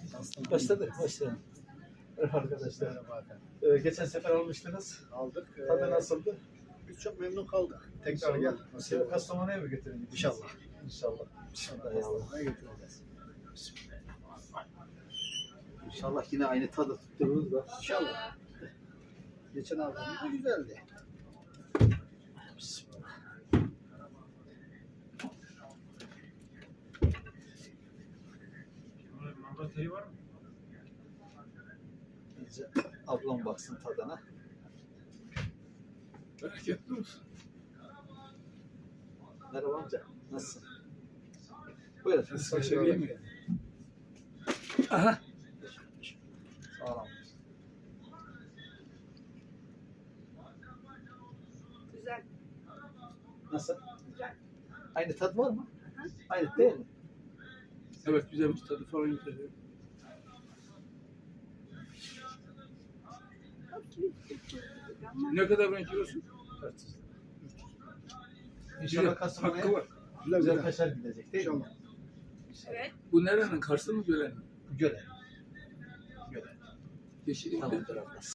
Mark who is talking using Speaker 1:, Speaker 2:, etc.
Speaker 1: Başladı. Merhaba arkadaşlar.
Speaker 2: Merhaba efendim.
Speaker 1: Geçen sefer almıştınız.
Speaker 2: Aldık.
Speaker 1: Tadı nasıldı?
Speaker 2: Biz çok memnun kaldık. Tekrar
Speaker 1: İnşallah.
Speaker 2: gel.
Speaker 1: Bu sefer Kastamonu'ya mı götürelim?
Speaker 2: İnşallah.
Speaker 1: İnşallah.
Speaker 2: Kastamonu'ya götüreceğiz.
Speaker 1: İnşallah yine aynı tadı tuttururuz da.
Speaker 2: İnşallah. Geçen aldığımız da güzeldi.
Speaker 3: Manda teri var mı?
Speaker 1: İyice ablam baksın tadına.
Speaker 3: Bereketli olsun.
Speaker 1: Merhaba amca. Nasılsın? Buyurun.
Speaker 3: Kaşar iyi mi?
Speaker 1: Aha. Sağ olun.
Speaker 4: Güzel.
Speaker 1: Nasıl?
Speaker 4: Güzel.
Speaker 1: Aynı tat var mı? Aynı değil mi?
Speaker 3: Evet, güzelmiş tadı falan güzel. Ne kadar ben kilosu?
Speaker 1: 400 lira. İnşallah
Speaker 3: Hakkı
Speaker 1: Kastamonu'ya
Speaker 3: var.
Speaker 1: güzel kaşar gidecek değil mi?
Speaker 2: İnşallah.
Speaker 4: Evet.
Speaker 3: Bu nerenin? Kars'ta mı Gölen mi?
Speaker 1: Göle. Göle.
Speaker 3: Yeşil
Speaker 1: Tamamdır abla.